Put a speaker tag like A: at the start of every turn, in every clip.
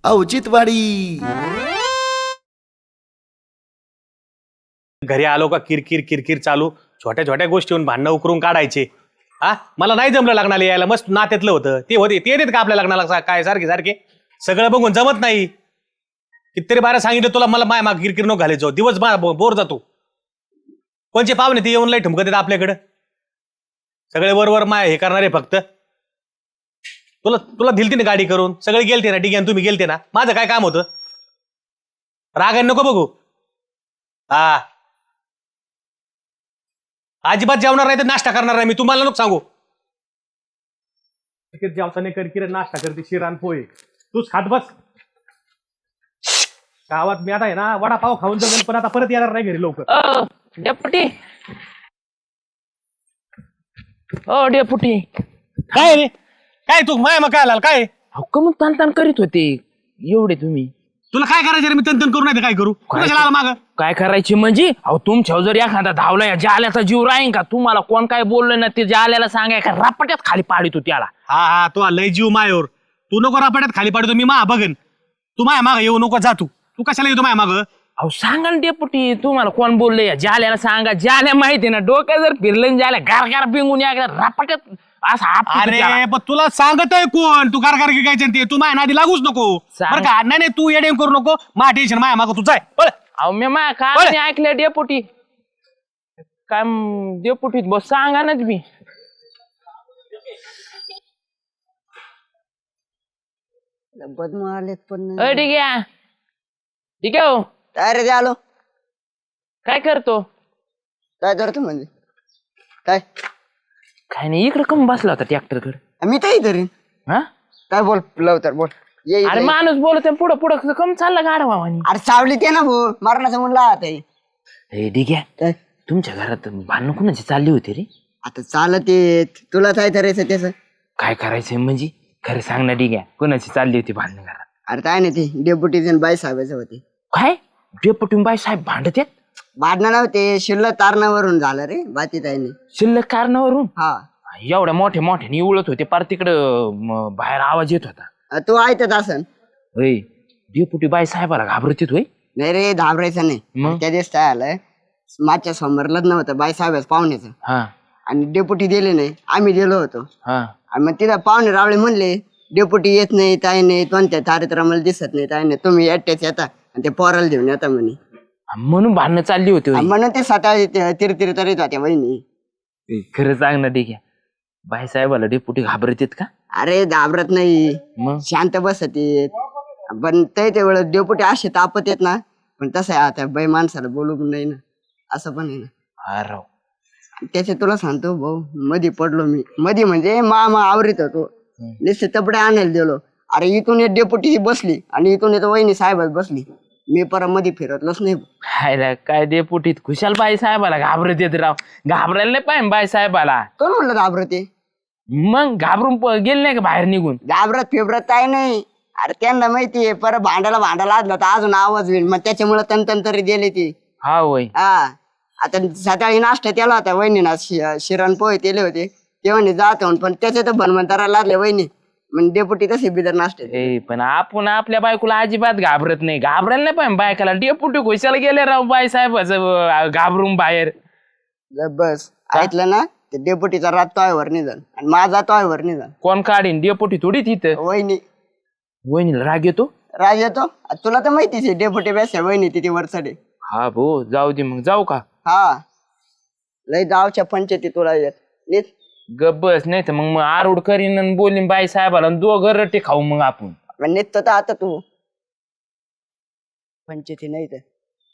A: औचित्यवाडी.
B: घरी आलो का किरकिर किरकिर चालू, छोट्या छोट्या गोष्टीहून भांडणं उकरून काढायचे. हा, मला नाही जमलं लग्नाला यायला, मस्त नात्यातलं होतं ते होते, ते येतात का आपल्या लग्नाला काय सारखे सारखे सगळं बघून जमत नाही. कितीतरी बारा सांगितलं तुला, मला माय माग किरकिर नको घालायचो, दिवस बोर जातो. कोणचे पाहुणे ते येऊन लय ठुमकत येतात आपल्याकडं, सगळे वरवर माय हे करणारे फक्त. तुला तुला दिलती ना गाडी करून, सगळे गेलते ना, ठीक आहे तुम्ही गेलते ना, माझं काय काम होतं. राग नको बघू. हा, अजिबात जेवणार नाही तर नाश्ता करणार नाही मी, तुम्हाला नको सांगू. जेवता नाही कर, नाश्ता करते शिरान पोहे, तूच खात बस. गावात मी आता आहे ना वडापाव खाऊन जाऊन, पण आता परत येणार नाही घरी लवकर.
C: डेपुटी ओ डेपुटी,
B: काय रे, काय तू माय मग काय आला काय?
C: कमून ताण करीत होते एवढे तुम्ही?
B: तुला काय करायचं रे, मी तंतन करू नाही तर काय करू? कशाला आला माग?
C: काय करायची म्हणजे? अहो तुमच्यावर जर एखादा धावला जाल्याचा जीव राहीन का? तुम्हाला कोण काय बोललं ना ते जाल्याला सांगाय का रापट्यात खाली पाडितो त्याला.
B: हा, तो लय जीव मायावर, तू नको रापाड्यात खाली पाडतो, मी मा बघन. तू माया माग येऊ नको, जा तू कशाला येतो माया माग?
C: अहो सांगा ना डेपुटी, तुम्हाला कोण बोललंय? जाल्याला सांगा, जाल्या माहिती ना, डोक्यात जर फिरलं जाल्या गार गार बिंगून या रापट्यात असा.
B: अरे पण तुला सांगत आहे कोण, तू कारकार काय ते, तू माया नादी लागूच नको बरं का? नाही तू येडे करू नको, मा टेन्शन माया माग तू जाय.
C: अहो मी माया काय ऐकलं डेपुटी, काय डेपुटीत बस सांगा ना तुम्ही.
D: बदम आलेत पण
C: ठीक आहे ठीक आहे. हो
D: काय रे आलो,
C: काय करतो?
D: काय करतो म्हणजे काय?
C: काय नाही, इकडे कम बसला होता ट्रॅक्टर कडे.
D: मी तर धरीन.
C: हा
D: काय बोल लवकर बोल. ये
C: अरे माणूस बोलत पुढं पुढं कम चालला गाडा भावानी.
D: अरे सावली ते ना भाऊ, मरणाचं म्हणला आता
C: हे ठीक आहे.
D: काय
C: तुमच्या घरात भांडण कुणाची चालली होती रे?
D: आता चालत येत, तुला काय करायचं त्याच?
C: काय करायचंय म्हणजे खरं सांग ना. ठीक आहे, कुणाची चालली होती भांडण घरात?
D: अरे काय नाही, ते डेप्युटी बाई साहेबाचं होते.
C: काय डेपुटी बाई साहेब भांडत आहेत?
D: भांडणं नव्हते, शिल्लक तारणावरून झालं रे बाती ताईने.
C: शिल्लक कारणावरून?
D: हा,
C: एवढ्या मोठ्या मोठ्याने उळत होते पार तिकडं बाहेर आवाज येत होता.
D: तू ऐकत असन.
C: होय, डेपुटी बाई साहेबाला घाबरत होय?
D: नाही रे, घाबरायचं नाही.
C: मग?
D: त्या दिवस काय आलंय, मागच्या समोर लग्न होतं बाई साहेबाच पाहुण्याचं,
C: हा
D: आणि डेप्युटी दिले नाही, आम्ही गेलो होतो.
C: हा.
D: आणि मग तिथं पाहुणे रावळे म्हणले डेप्युटी येत नाही, ताई नाही, कोणत्या कार्यक्रमाला दिसत नाही, ताई नाही, तुम्ही एकट्याच येता आणि ते पोराला घेऊन येता म्हणे.
C: म्हणून भांडणं चालली होती होय?
D: म्हणून ते सकाळी तिरतिर तरीत होत्या बहिणी.
C: खरं सांग ना. ठीक आहे, बाई साहेबाला डेपुटी घाबरत आहेत का?
D: अरे घाबरत नाही,
C: मग
D: शांत बसत येत. पण ते वेळेस डेप्युटी असे तापत येत ना, पण तसं आहे आता बाई माणसाला बोलू नाही ना, असं पण आहे ना.
C: हा राव,
D: त्याचे तुला सांगतो भाऊ, मधी पडलो मी, मधी म्हणजे मामा आवरीत होतो, नुसते तपडे आणायला गेलो. अरे इथून एक डेप्युटी बसली आणि इथून येतो वहिनी साहेबात बसली, मी परत मध्ये फिरतलोच नाही.
C: हायला काय डेपुटीत खुशाल बाई साहेबाला घाबरत येत राव. घाबरायला नाही पाहिजे बाई साहेबाला.
D: कोण म्हणलं घाबरते?
C: मग घाबरून गेले नाही का बाहेर निघून?
D: घाबरत फिबरत काय नाही. अरे त्यांना माहितीये परत भांडायला आजला तर अजून आवाज होईल, मग त्याच्यामुळे तन तरी गेले ती.
C: हा होय.
D: हा, आता सकाळी नाश्ता केला होता वहिनीना, शिरण पोहे केले होते, ते म्हणे जात पण त्याच्यात भनवंतरा लागले वहिनी, म्हणजे डेपुटी तसे बिदर नाश्ते.
C: पण आपण आपल्या बायकोला अजिबात घाबरत नाही. घाबरायला नाही पाहिजे बायकाला. डेपुटी खुशाला गेले राव बाई साहेबाचं घाबरून बाहेर.
D: बस ऐकलं ना, ते डेपुटीचा रात तोयवर निघाल आणि माझा तोयवर निघाल.
C: कोण काढीन? डेपुटी थोडी तिथं.
D: वहिनी.
C: वहिनीला राग येतो?
D: राज येतो, तुला तर माहितीच आहे डेपुटी बेस्ट वहिनी तिथे वरचडे.
C: हा भाऊ, जाऊ दे मग. जाऊ का?
D: हा, लय गावच्या पंचायती तुला येत नीट.
C: गब्बस, नाही तर मग आरूड करीन आणि बोलीन बाई साहेबाला, दोघं रट्टे खाऊ मग आपण.
D: निघतो तर आता तू पंचायती नाही तर.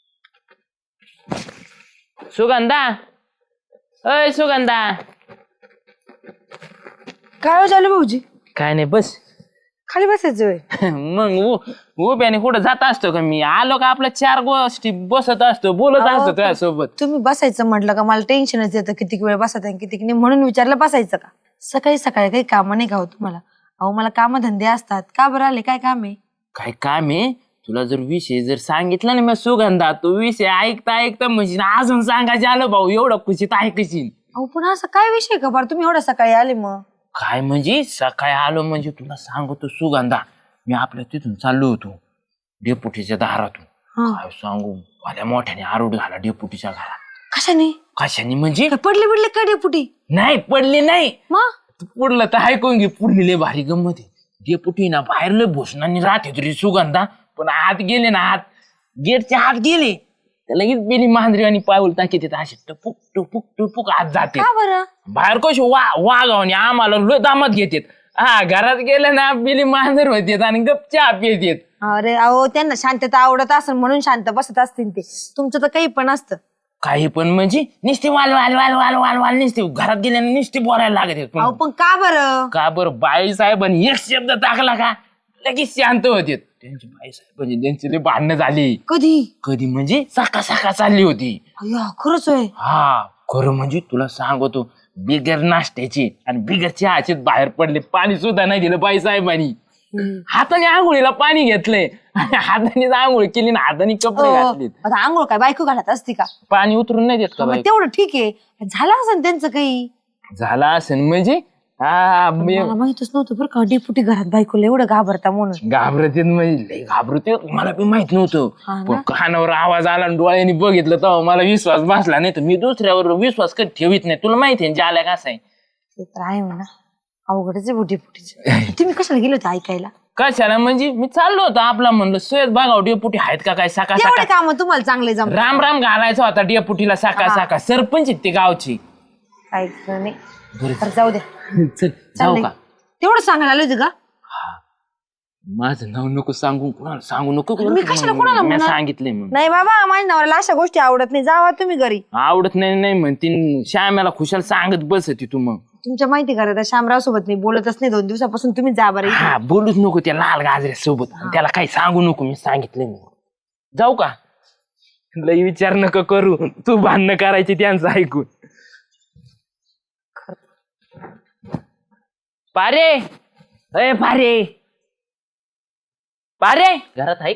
C: सुगंधा, अय सुगंधा.
E: काय झालं भाऊजी?
C: काय नाही, बस.
E: खाली बसायचं?
C: मग उभ्याने कुठं जात असतो का मी? आलो का आपल्या चार गोष्टी बसत असतो, बोलत असतो तुझ्यासोबत.
E: तुम्ही बसायचं म्हटलं का मला टेन्शनच येतं, किती वेळ बसत आहे किती नाही, म्हणून विचारलं बसायचं का. सकाळी सकाळी काही कामं नाही का हो तुम्हाला? अहो मला कामधंदे असतात. का बरं आले? काय काम आहे?
C: काय काम आहे? तुला जर विषय जर सांगितला ना मी सुगंधा, तो विषय ऐकता ऐकता म्हणजे अजून सांगायचे आलो भाऊ, एवढं खुशीत ऐकशील.
E: अहो पण असं काय विषय का बरं तुम्ही एवढ्या सकाळी आले? मग
C: काय म्हणजे सकाळी आलो म्हणजे तुला सांगतो सुगंधा, मी आपल्या तिथून चाललो होतो डेपुटीच्या दारातून.
E: हा.
C: काय सांगू भल्या मोठ्याने आरोड घाला डेपुटीच्या घरात.
E: कशाने
C: कशाने म्हणजे
E: काय पडले बिडले काय डेपुटी
C: नाही पडले नाही.
E: मग
C: तू पुढलं तर ऐकून घे. पुढली लय भारी गंमत आहे. डेपुटी ना बाहेर लय भूषणांनी राहते तरी सुगंधा, पण आत गेले ना आत गेटच्या आत गेले तर लगेच बेली मांजरी आणि पाऊल टाकीत असे टपुक टपुक टपुक आत जाते.
E: का बरं
C: बाहेर कशी वागावणी आम्हाला लय दामात घेतात. हा घरात गेले ना बेली मांजर होते आणि गपच्या आप येतात.
E: अरे अहो त्यांना शांतता आवडत असेल म्हणून शांत बसत असतील ते. तुमचं तर काही पण असतं.
C: काही पण म्हणजे नुसते वाल वाल वाल वाल वाल वाल नुसते घरात गेल्याने नुसते बोलायला लागत आहेत.
E: अहो पण का बरं
C: का बरं बाई साहेबांनी एक शब्द टाकला का लगेच शांत होते. त्यांची बाई साहेबांची त्यांची लय भांडणं झाली.
E: कधी
C: कधी म्हणजे सका सका चालली होती.
E: अय्या खरंच होय.
C: हा खरं म्हणजे तुला सांगतो बिगर नाश्त्याची आणि बिगर चहाचे बाहेर पडले. पाणी सुद्धा नाही दिलं बाई साहेबांनी. हाताने आंघोळीला पाणी घेतलंय हाताने आंघोळ केली ना हाताने कपडे घातले.
E: आता आंघोळ काय बायको घालत असती का?
C: पाणी उतरून नाही देत का
E: मग
C: बाई?
E: तेवढं ठीक आहे. झालं असेल त्यांचं काही.
C: झाला असेल म्हणजे हा
E: मला माहितच नव्हतं बरं का डेपुटी घरात बायकोला एवढं घाबरता म्हणून.
C: घाबरते म्हणजे लय घाबरते. मला बी माहित नव्हतं.
E: हा ना?
C: पण कानावर आवाज आला आणि डोळ्यांनी बघितलं तेव्हा मला विश्वास बसला. नाही तर मी दुसऱ्यावर विश्वास कधी ठेवीत नाही. तुला माहिती आहे जाल्या कसं आहे.
E: ते तर आहे म्हणा. अवघडच आहे डेपुटीचं. तुम्ही कशाला गेले होते ऐकायला?
C: कशाला म्हणजे मी चाललो होतो आपला म्हणलं सोयत बघाव डेपुटी आहेत का काय सकाळ
E: तेवढे
C: सकाळ
E: काम तुम्हाला चांगले जमत.
C: राम राम घालायचा होता डेपुटीला सकाळ सकाळ. सरपंच आहेत ते गावची.
E: काय खरं नाही. बरं, जाऊ दे.
C: चल जाऊ का?
E: तेवढं सांगायला आले होते का?
C: माझं नाव नको सांगू कुणाला सांगू नको.
E: मी कशाला कोणाला
C: मी
E: म्हणणार?
C: सांगितलंय मग.
E: नाही बाबा माझ्या नवऱ्याला अशा गोष्टी आवडत नाही. जावा तुम्ही घरी.
C: आवडत नाही नाही म्हणते श्याम्याला खुशाल सांगत बसती तू मग.
E: तुमच्या माहिती करा त्या शामराव सोबत मी बोलतच नाही 2 दिवसापासून. तुम्ही जा बरं इथे.
C: हा बोलूच नको त्या लाल गाजऱ्या सोबत. त्याला काही सांगू नको मी सांगितलंय मग. जाऊ का? लई विचार नका करू. तू भांडणं करायची त्यांचं ऐकून. पारे अय पारे पारे घरात ऐक.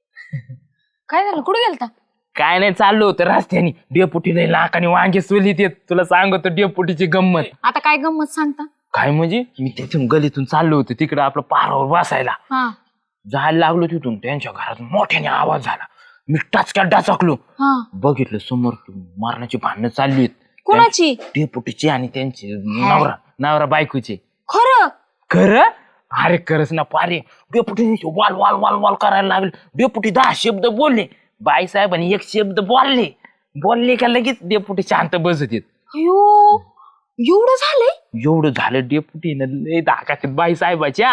E: काय झालं? कुठे गेलता?
C: काय नाही चाललो होतं रस्त्याने. डेपुटी लई लाखाने वांगे सोलीत येत. तुला सांगतो डेपुटीची गंमत.
E: आता काय गंमत सांगता?
C: काय म्हणजे मी तिथून गलीतून चाललो होतो तिकडे आपलं पारावर बसायला.
E: हा
C: जायला लागलो तिथून त्यांच्या घरात मोठ्याने आवाज झाला. मी टाचक्यात डाचकलो.
E: हा
C: बघितलं समोर मारण्याची भांडणं चालली आहेत.
E: कोणाची?
C: डेपुटीची आणि त्यांची नवरा बायकोची.
E: खरं?
C: खरं? अरे खरंच ना पारे. डेपुटी वाल वाल वाल वाल करायला लागले. डेपुटी 10 शब्द बोलले. बाई साहेबांनी 1 शब्द बोलले का लगेच डेपुटी शांत बसत येत.
E: अयो एवढं झालंय?
C: एवढं झालं डेपुटीनं लय धाकात बाई साहेबाच्या.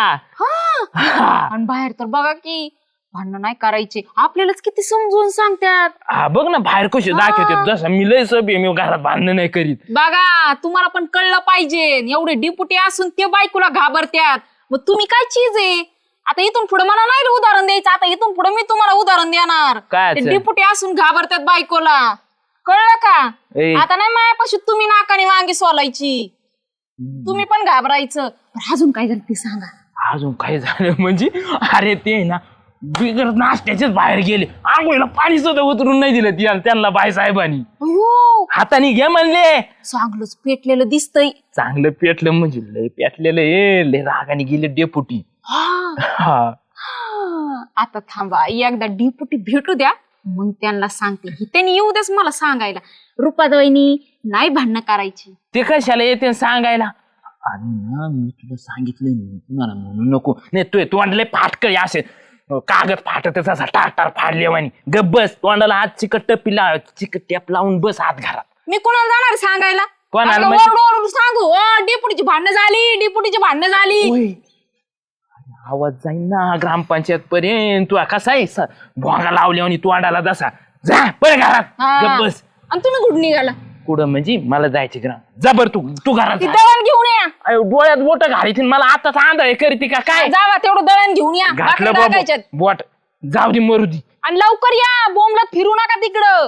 A: आणि बाहेर तर बघा की भांडण नाही करायचे. आपल्यालाच किती समजून सांगतात.
C: हा बघ ना बाहेर कसे दाखवतात. जसं मी लय सभे मी घरात भांडण नाही करीत.
A: बघा तुम्हाला पण कळलं पाहिजे. एवढे डिपुटी असून ते बायकोला घाबरत्यात. मग तुम्ही काय चीज आहे? आता इथून पुढे मला नाही उदाहरण द्यायचं. आता इथून पुढे मी तुम्हाला उदाहरण देणार.
C: काय
A: ते
C: असेल?
A: डिपुटी असून घाबरतात बायकोला. कळलं का?
C: ए.
A: आता नाही मायापाशी तुम्ही नाकाने वांगी सोलायची. तुम्ही पण घाबरायचं. पण अजून काय झालं ते सांगा.
C: अजून काय झालं म्हणजे अरे ते ना बिगर नाश्त्याचेच बाहेर गेले. आंघोळीला पाणी सुद्धा उतरून नाही दिलं त्यांना बाई साहेबांनी.
A: अयो
C: हाताने घे म्हणले.
A: चांगलंच पेटलेलं दिसतंय.
C: चांगलं पेटलं म्हणजे लय पेटलेलं लय रागाने गेले डेपुटी. हा
A: आता थांबा एकदा डिपुटी भेटू द्या मग त्यांना सांगते. त्यांनी येऊ द्याच मला सांगायला. रुपादवैनी नाही भांडणं करायची.
C: ते कशाला येते सांगायला. आणि ना मी तुला सांगितलं तुम्हाला म्हणू नको. नाही तू तोंडले फाटकळी असे कागद फाटत असा टाटार फाडले वाणी. गप बस. तोंडाला हात चिकट टेप लावून बस हात घरात.
A: मी कोणाला जाणार सांगायला?
C: कोणाला
A: आपलं
C: म्हणजे?
A: ओरडू सांगू डेपुटीची भांडणं झाली. डेपुटीची भांडणं झाली.
C: आवाज जाईन ना ग्रामपंचायत पर्यंत. तू कसा आहे भोंगा लावले आणि तोंडाला जसा जा पण घरात. गप बस.
A: आणि तुम्ही कुठं निघाला?
C: कुठं म्हणजे मला जायचे ग्राम. जा बर तू घरात
A: ती
C: जा.
A: दळण घेऊन या.
C: अयो, डोळ्यात बोट घालायची मला आताच आंधळे करते का काय.
A: जावा तेवढं दळण घेऊन या.
C: घातलं
A: भाकरी टाकायच्यात.
C: बोट जाऊ दे मरू दे.
A: आणि लवकर या. बोंबलत फिरू नका तिकडं.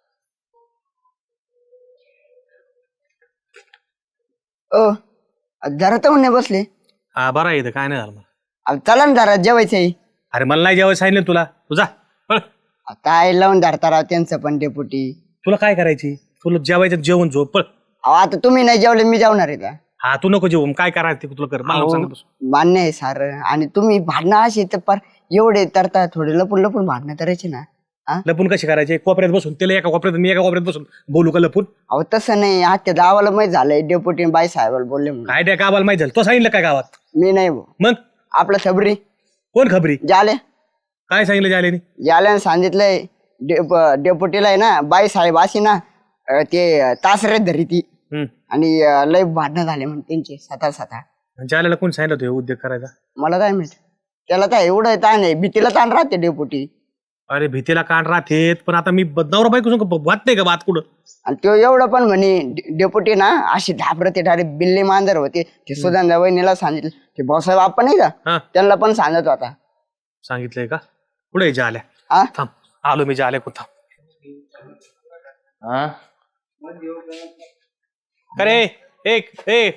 D: जरा तर नाही बसले.
B: हा बरं आहे इथं काय नाही झालं मला.
D: अहो, चला ना जरा जेवायचंय.
B: अरे मला नाही जेवायला सांगितलं तुला. तुझा
D: काय लावून धरता राव त्यांचं पण डेपुटी.
B: तुला काय करायची? तुला जेवायचं जेवण झोप पळ.
D: अहो आता तुम्ही नाही जेवले मी जेवणार आहे का?
B: हा तू नको जेवू काय करायचं ते तुला कर मला नको सांगत बसू.
D: मान्य आहे सार. आणि तुम्ही भांडणं अशी तर पार एवढे तरता थोडे लपून लपून भांडणं करायची ना. हा
B: लपून कशी करायचे कोपऱ्यात बसून त्याला एका कोपऱ्यात मी एका कोपऱ्यात बसून बोलू का लपून
D: अहो तसं नाही. आजच्या गावाला माहित झालंय डेप्युटी बाई साहेबाला बोलले म्हणून.
B: काय त्या गावाला माहिती झालं तो सांगितलं काय गावात
D: मी नाही भाऊ.
B: मग
D: आपला सबरी
B: कोण खबरी
D: जाले
B: काय सांगितलं जालेनी
D: जाल्यानं सांगितलंय डेप्युटीला आहे ना बाई साहेब अशी ना ते तासरे धरी ती आणि लय भांडणं झाले म्हणून त्यांचे सातार.
B: जालेला कोण सांगितलं होतं हे उद्योग करायचा
D: मला काय माहित. त्याला काय एवढं ताण आहे भीतीला ताण राहते डेप्युटी.
B: अरे भीतीला कान राहतेत पण आता मी नवरा बायको संग वाद नाही का वाद कुठं
D: आणि तो एवढं पण म्हणे डेप्युटी ना अशी घाबरते डायरेक्ट बिल्ली मांजर होते. ते सुधांदा वहिनीला सांगितलं ते भाऊसाहेब आपण नाही
B: हा.
D: का त्यांना पण सांगत होता.
B: सांगितलंय का पुढे जाल्या
D: हा
B: थांब आलो मी जाल्या कुठं
C: हा
B: अरे एक ए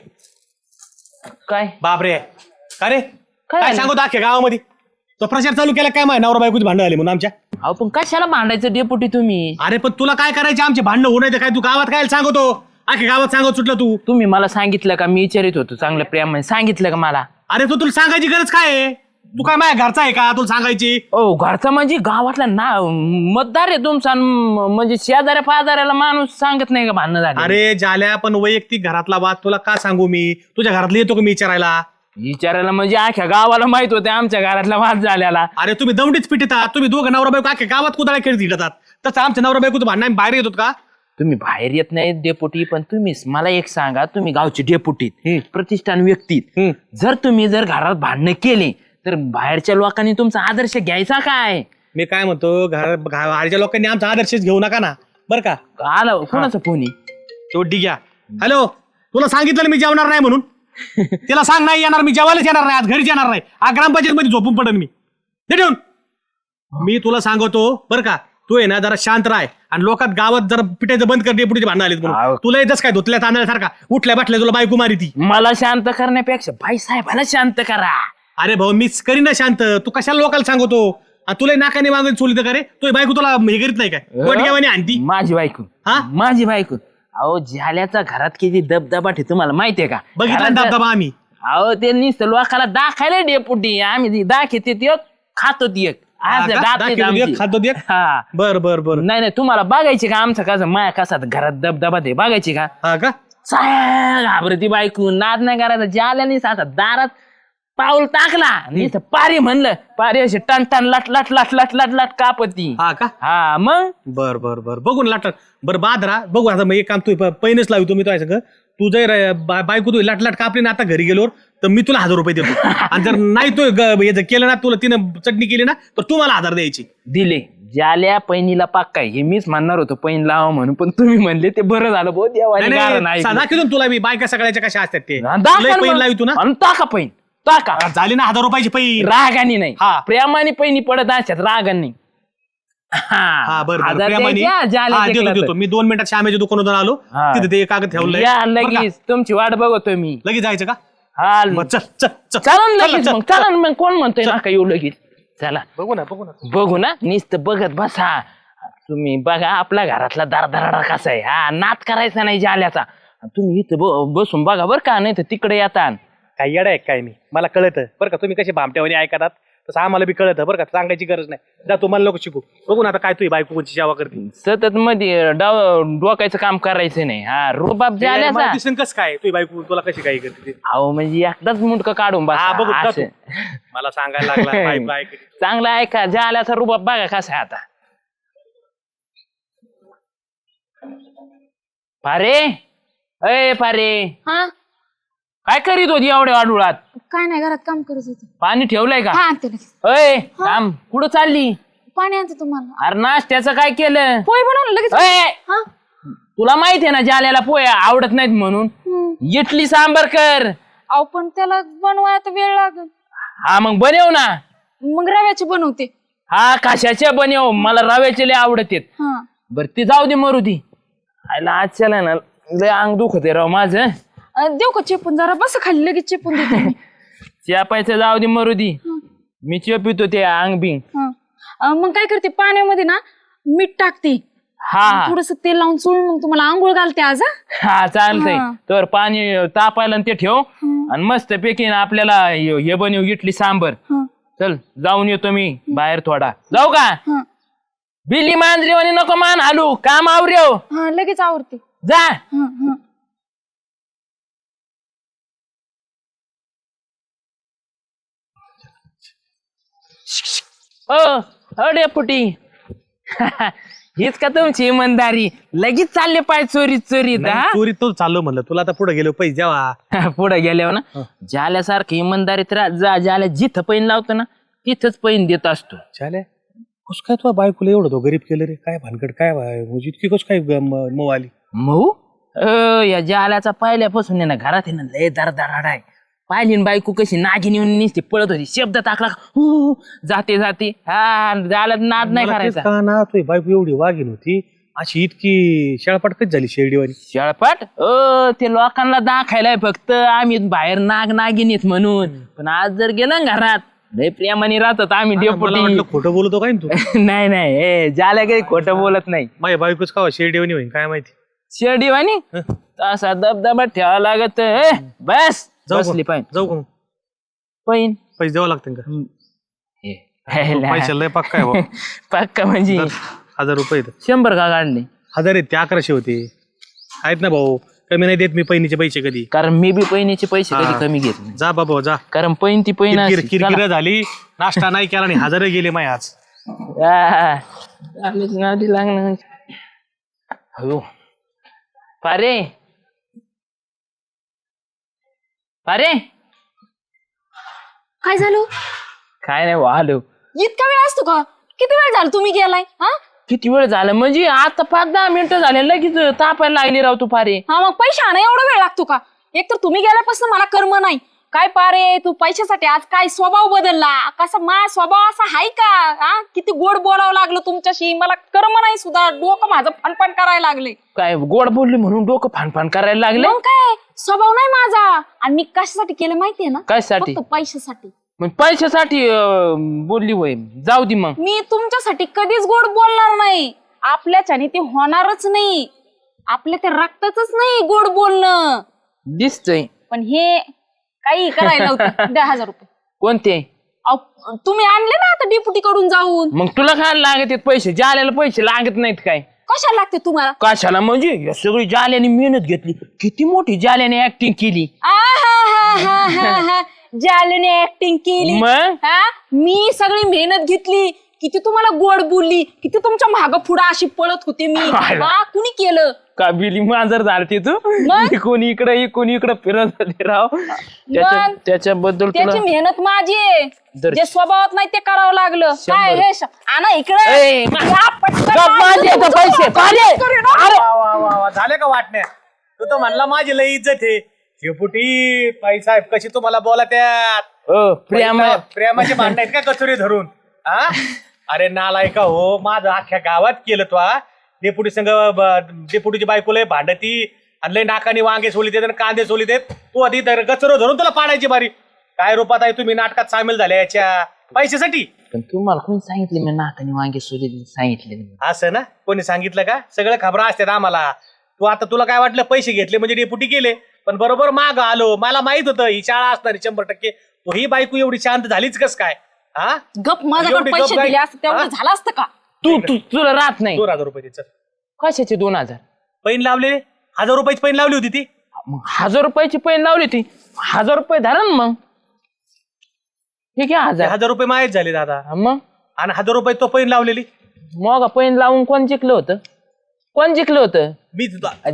C: काय
B: बापरे का रे काय
C: झालं?
B: सांगतो अख्ख्या गावामध्ये तो प्रचार चालू केला काय माहिती नवरा बायकोची भांडण आली म्हणून आमच्या
C: अहो पण कशाला भांडायचं डेपुटी तुम्ही
B: अरे पण तुला काय करायचे आमचे भांडणं होऊ नये काय तू गावात काय सांगतो अख्ख्या गावात सांगत सुटलं तू
C: तुम्ही मला सांगितलं का मी विचारित होतो चांगल्या प्रेमाने सांगितलं का मला
B: अरे तो तुला सांगायची गरज काय आहे तू काय माझ्या घरचा आहे का तुला सांगायची
C: ओ घरचा म्हणजे गावातला ना मतदार आहे तुमचा म्हणजे शेजाऱ्या पाजाऱ्याला माणूस सांगत नाही का भांडणं झालं
B: अरे जाल्या पण वैयक्तिक घरातला वाद तुला का सांगू मी तुझ्या घरातलं येतो का मी विचारायला
C: विचारायला म्हणजे अख्ख्या गावाला माहित होते आमच्या घरातला वाद झालेला
B: अरे तुम्ही दौंडीच पिटतात तुम्ही दोघं नवरा बायको अख्ख्या गावात कुदाळ्या खेळत हिंडतात तसं आमच्या नवरा बायको भांडण आम्ही बाहेर येतो का
C: तुम्ही बाहेर येत नाही डेपुटी पण तुम्हीच मला एक सांगा तुम्ही गावचे डेपुटीत प्रतिष्ठान व्यक्तीत जर घरात भांडणं केले तर बाहेरच्या लोकांनी तुमचा आदर्श घ्यायचा काय
B: मी काय म्हणतो बाहेरच्या लोकांनी आमचा आदर्शच घेऊ नका ना बरं का
C: आलं कोणाचा फोन
B: शेवटी घ्या हॅलो तुला सांगितलं ना मी जेवणार नाही म्हणून तिला सांग नाही येणार मी जेवायलाच येणार नाही आज घरीच येणार नाही आज ग्रामपंचायत मध्ये झोपून पडेन मी हे ठेवून मी तुला सांगतो बरं का तू आहे ना जरा शांत राह आणि लोकात गावात जरा पिटायचं बंद कर डेपुटीचे भांडण आलेत म्हणून तुला येतच काय धुतल्या तांदळासारखा उठल्या बाटल्या तुला बायको मारी ती
C: मला शांत करण्यापेक्षा बाई साहेबाला शांत करा
B: अरे भाऊ मीच करीन ना शांत तू कशाला लोकांना सांगतो तुला नाकाने मागून चोलीत का रे तू बायको तुला हे करीत नाही काय वडग्यावानी आणती
C: माझी बायको
B: हा?
C: माझी बायको अहो झाल्याचा घरात किती दबदबा ठे तुम्हाला माहितीये का
B: बघितला ना दबदबा आम्ही
C: अहो ते नुसतं लोकाला दाखायला डेपुटी आम्ही दाखवते ते खातो ती एक आज दात आहेत आमची.
B: खातो दे
C: हा
B: बर बर बर
C: नाही नाही तुम्हाला बघायची का आमचं कसं माया कसा घरात दबदबा ते बघायची का
B: हा का
C: घाबरती बायको नाद नाही करायचा ज्याला असा दारात पाऊल टाकला नुसतं पारी म्हणलं पारी अशी टन टन लट लट लट लट लट लट कापती
B: हा का
C: हा मग
B: बर बर बर बघून लाट बरं बादरा बघू आता मग एक काम तू पैनच लावतो मी तो सगळं तू जर बायको तू लाट लाट कापली ना आता घरी गेलोर तर मी तुला 1000 रुपये देतो आणि जर नाही तू हे केलं ना तुला तिनं चटणी केली ना तर तू मला 1000 द्यायची
C: दिले ज्याल्या पैनीला पाक काय हे मीच म्हणणार होतो पैन लावा म्हणून पण तुम्ही म्हणले ते बरं झालं बहुत
B: दाखवतो तुला मी बायका सगळ्याच्या कशा असतात ते लय पैन लावितो ना
C: टाका पैन टाका
B: झाली ना 1000 रुपयाची पैन
C: रागानी नाही
B: हा.
C: प्रेमाने पैनी पडत असतात रागांनी
B: हा बरं बरं
C: 1000
B: प्रेमाने
C: द्यायचे, हा, ज्याला
B: हा,
C: ते
B: देतो
C: केलं
B: देतो मी 2 मिनिटात श्यामेच्या दुकानातून आलो
C: हा.
B: तिथे ते कागद ठेवलंय
C: या
B: बरं का?
C: लगेच तुमची वाट बघतोय मी
B: लगेच जायचं का
C: हा
B: मग चल चल चल
C: चला
B: चल,
C: लगेच
B: चल.
C: मग चला मग कोण म्हणतोय नका येऊ लगेच चला
B: बघू ना बघू ना
C: बघू ना नुसतं बघत बसा तुम्ही बघा आपल्या घरातला दारदाराडा कसा आहे हा नात करायचा नाही जाल्याचा तुम्ही इथं बसून बघा बरं का नाही तर तिकडे येता
B: काय येडा आहे काय मी मला कळतं बरं का तुम्ही कसे भामट्यावानी ऐकतात तसं आम्हाला बी कळतं बरं का सांगायची गरज नाही जा तुम्हाला नको शिकू बघू ना आता काय तुझी बायको कोणची सेवा करते
C: सतत मध्ये डोकायचं काम करायचं नाही हा रुबाब जाल्याचा
B: दिसून कसं काय तुझी बायको तुला कशी काय करते ते?
C: अहो म्हणजे एकदाच मुंडकं काढून
B: हा बघू
C: बसा
B: जा
C: असं.
B: तू. मला सांगायला लागला बायको ऐकते.
C: चांगलं ऐका जाल्याचा रुबाब बघा कसा आहे आता पारे अय पारे
A: हा
C: काय करीत होती एवढ्या वाडुळात
A: काय नाही घरात काम करत होते
C: पाणी ठेवलंय का
A: हा आणते लगेच.
C: अय थांब कुठं चालली
A: पाणी आणते तुम्हाला
C: अरे नाश्त्याचं काय केलं
A: पोहे बनवलं लगेच
C: अय,
A: हा
C: तुला माहिती आहे ना जाल्याला पोहे आवडत नाहीत म्हणून इडली सांबर कर
A: अहो पण त्याला बनवायला वेळ लागेल
C: हा मग बनव ना
A: मग रव्याची बनवते
C: हा कशाच्या बनव मला रव्याचे लय आवडत
A: हा
C: बर ती जाऊ दे मरू दी आयला आज चला ना लय अंग दुखते राव माझं
A: देऊ का चेपून जरा बस खाली लगेच चेपून देते मी.
C: चेपायचं जाऊ दे मरू दी मी चेपितो ते अंग बिंग
A: मग काय करते पाण्यामध्ये ना मीठ टाकते
C: हा
A: थोडस तेल लावून चोळून मग तुम्हाला आंघोळ घालते आज हा?
C: हा चालतंय
A: हा.
C: तर पाणी तापायला आणि ते ठेव आणि मस्त पैकी ना आपल्याला हे बनव इडली सांबर
A: हा.
C: चल जाऊन येतो मी बाहेर थोडा जाऊ का
A: हा.
C: बिल्ली मांजरी आणि नको मान हालू काम आवरेव
A: हा लगेच आवडते.
C: जा
A: हा, हा.
C: ओ डेपुटी हीच का तुमची इमानदारी लगेच चालले पाय चोरीत चोरीत
B: नाही, चोरी तो चाललो म्हणलं तुला आता पुढे गेलो पैसे द्यावा.
C: पुढे गेल्यावर ना ज्याल्यासारखी इमानदारीत जा ज्याला जिथं पैन लावतो ना तिथंच पैन देत असतो.
B: चाले कस काय तुला बायकोला एवढं तो गरीब केलं रे काय भानगड काय म्हणजे इतकी कस काय मऊ आली.
C: मऊ या जाल्याचा पहिल्यापासून आहे ना घरात आहे ना लय दरदराड आहे. पाहिली ना बायको कशी नागिन येऊन निसती पळत होती शब्द टाकला हु, जाते जाते हा जाल्यात नाद नाही
B: मला तेच
C: करायचा.
B: का ना तुझी बायको एवढी वागीन होती अशी इतकी शेळपाटकच झाली शेरडीवानी.
C: शेळपाट ते लोकांना दाखायलाय फक्त आम्ही बाहेर नागिनीत म्हणून पण आज जर गेलं ना घरात लय प्रेमाने राहतात आम्ही
B: मला
C: डेपुटी.
B: वाटलं खोटं बोलतो काय ना तू.
C: नाही नाही ज्याला काही खोटं बोलत नाही.
B: माझ्या बायकोच का शेरडीवानी होईन काय माहिती.
C: शेर्डीवानी तसा दबदबा ठेवा लागत बस बसली पाहिजे
B: जाऊ का मग?
C: पैन
B: पैसे द्यावं लागतील का? पैसे लय पक्का आहे बुवा.
C: पक्का म्हणजे
B: 1000 रुपये आहेत.
C: 100 का काढले
B: 1000 आहेत ते 1100 होते आहेत ना भाऊ. कमी नाही देत मी पैनीचे पैसे कधी.
C: कारण मी बी पैनीचे पैसे
B: हा.
C: कधी कमी घेत नाही
B: जा बाबा जा.
C: कारण पैन ती पैन असते.
B: किरकिर झाली नाश्ता नाही केला आणि 1000 गेले माय आज.
C: लागणार हो पारे पारे
A: काय झालं?
C: काय नाही वाहलो.
A: इतका वेळ असतो का? किती वेळ झाला तुम्ही गेलाय? हा
C: किती वेळ झाला म्हणजे आता 5-10 मिनिटं झाले लगेच तापायला लागली राव तू पारे.
A: हा मग पैसे आणा एवढा वेळ लागतो का? एक तर तुम्ही गेल्यापासून मला कर्म नाही. काय पारे तू पैशासाठी आज काय स्वभाव बदलला कसा माझा स्वभाव असा हाय का? हा किती गोड बोलावं लागलं तुमच्याशी मला कर्म नाही सुद्धा डोकं माझं फणफण करायला लागले.
C: काय गोड बोलली म्हणून डोकं फानफान करायला लागले.
A: मग काय स्वभाव नाही माझा. आणि मी कशासाठी केलं माहितीये ना?
C: कशासाठी?
A: फक्त पैशासाठी.
C: मग पैशासाठी बोलली वय जाऊ दे मग.
A: मी तुमच्यासाठी कधीच गोड बोलणार नाही. आपल्याच्याने ते होणारच नाही. आपल्या ते रक्तातच नाही गोड बोलणं.
C: दिसतंय
A: पण हे काही करायला नव्हतं. द्या 1000 रुपये.
C: कोणते
A: अहो, तुम्ही आणले ना आता डिप्युटी कडून जाऊन.
C: मग तुला काय लागत आहेत पैसे जाल्याला पैसे लागत नाहीत काय
A: कशाला लागते तुम्हाला?
C: कशाला म्हणजे या सगळी जाल्याने मेहनत घेतली किती मोठी जाल्याने ऍक्टिंग केली.
A: जालूने ऍक्टिंग केली.
C: मग
A: हा मी सगळी मेहनत घेतली. किती तुम्हाला गोड बोलली. किती तुमच्या माग पुढे अशी पळत होते मी. हा कुणी केलं?
C: का बिली मांजर झालती तू
A: मग?
C: कोणी इकडे फिरत होते राव त्याच्याबद्दल
A: त्याची
C: तुला
A: मेहनत माझी आहे.
C: दर-
A: जे स्वभावात नाही ते करावं लागलं.
C: 100.
A: काय हे आणा
C: ए,
A: इकडे. या पटकन
C: गप माझे आता पैसे पारे.
B: वा, वा, वा, वा. झाले का वाटण्या? तू तर म्हणला माझी लई इज्जत आहे. शेपुटी साहेब कशी तुम्हाला बोला त्यात प्रेमाचे भांडण आहेत का कचोरी धरून? हा अरे नालायका हो माझं अख्ख्या गावात केलं तो. डेपुटी संघ डेपुटीची बायकोला भांडती आणि लय नाकानी वांगे सोली देत कांदे सोली देत. तू आधी कचरो धरून तुला पाडायची बारी. काय रूपात आहे तुम्ही नाटकात सामील झाल्या याच्या पैशासाठी?
C: पण तुम्हाला कोणी सांगितलं मी नाकाने वांगे सोडले सांगितले
B: असं ना कोणी सांगितलं का? सगळं खबरा असतात आम्हाला. तू आता तुला काय वाटलं पैसे घेतले म्हणजे डेपुटी केले पण बरोबर माग आलो. मला माहित होतं ही शाळा असणार 100%. तो ही बायको एवढी शांत झालीच कस काय? हा
A: गप माझ्याकडे
B: एवढी
A: पैसे
B: गप
A: दिले
B: काय?
A: असते तेवढं झालं असतं का?
C: तुला राहत नाही
B: 2000 रुपये तिचं
C: कशाचे 2000
B: पैन लावले. 1000 रुपयाची पैन लावली होती ती.
C: मग 1000 रुपयाची पैन लावली ती 1000 रुपये धरा ना मग. ठीक आहे 1000
B: 1000 रुपये माहीत झाले दादा.
C: मग
B: आणि 1000 रुपये तो पैन लावलेली
C: मग पैन लावून कोण जिंकलं होतं? कोण जिंकलं होतं?
B: मी तुझा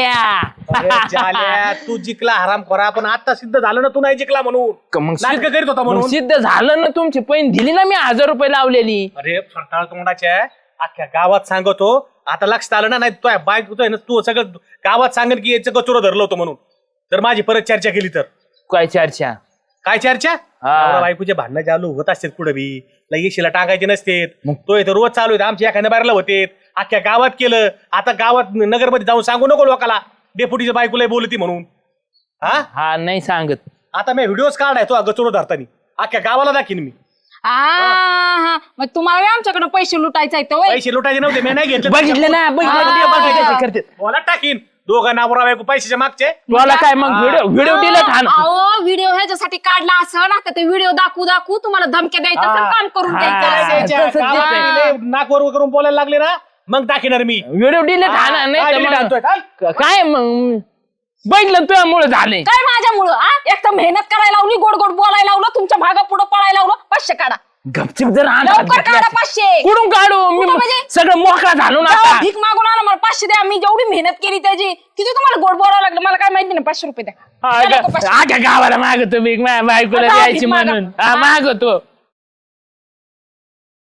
C: जाल्या
B: तू जिंकला हराम खोरा. पण आता सिद्ध झालं ना तू नाही जिंकला म्हणून.
C: मग
B: नाटक करीत होता
C: मग
B: म्हणून.
C: सिद्ध झालं ना तुमची पैन दिली ना मी 1000 रुपये लावलेली.
B: अरे फरटाळ तोंडाच्या अख्ख्या गावात सांगतो. आता लक्षात आलं ना नाही तो बाईक होतोय ना तू सगळं गावात सांगेल की याचं कचोरं धरलं होतं म्हणून. तर माझी परत चर्चा केली तर
C: काय चर्चा?
B: काय चर्चा?
C: हा.
B: बायकोचे भांडणं चालू होत असतात कुठं बी. लगेशीला टाकायचे नसते. मग तो इथं रोज चालू आहे. आमच्या एखाद्या बाहेरला होते अख्ख्या गावात केलं. आता गावात नगरमध्ये जाऊन सांगू नको लोकाला डेपुटीच्या बायकोला बोलती म्हणून.
C: हा नाही सांगत.
B: आता मी व्हिडिओज काढाय तो गचोरो धरतानी अख्ख्या गावाला दाखीन मी.
A: हा मग तुम्हाला बी आमच्याकडे पैसे लुटायचे आहेत होय?
B: पैसे लुटायचे नव्हते मी नाही घेतले
C: बघितलं ना बघितलं करते
B: मला टाकीन दोघं नवरा बायको पैशाच्या मागचे
C: तुला काय मग व्हिडिओ डिलीट हा ना.
A: अहो व्हिडिओ ह्याच्यासाठी काढला असं ना तर ते व्हिडिओ दाखवू तुम्हाला धमक्या द्यायचं असं काम करून द्यायचं
B: नाकवर करून बोलायला लागले ना मग टाकीणार मी
C: व्हिडिओ डिलीट हा ना नाही तर
B: delete आणतोय,
C: मग काय मग बघितलं तुझ्यामुळे झाले
A: काय माझ्यामुळं एक तर मेहनत करायला लावली गोड गोड बोलायला लावलं तुमच्या भागा पुढे पळायला लावलं 500 काढा
C: गपचिप जर
A: लवकर काढा 500
C: कुठून काढू मी
A: कुठं म्हणजे?
C: सगळं मोकळा झालो ना
A: जाऊ,
C: आता.
A: भीक मागून आणा मला 500 द्या मी जेवढी मेहनत केली त्याची किती तुम्हाला गोड बोलावं लागलं मला काय माहिती नाही 500 रुपये द्या द्या लवकर 500.
C: आख्या गावाला मागतो मी माझ्या बायकोला
A: आता
C: द्यायची
A: भीक मागा.
C: म्हणून हा मागतो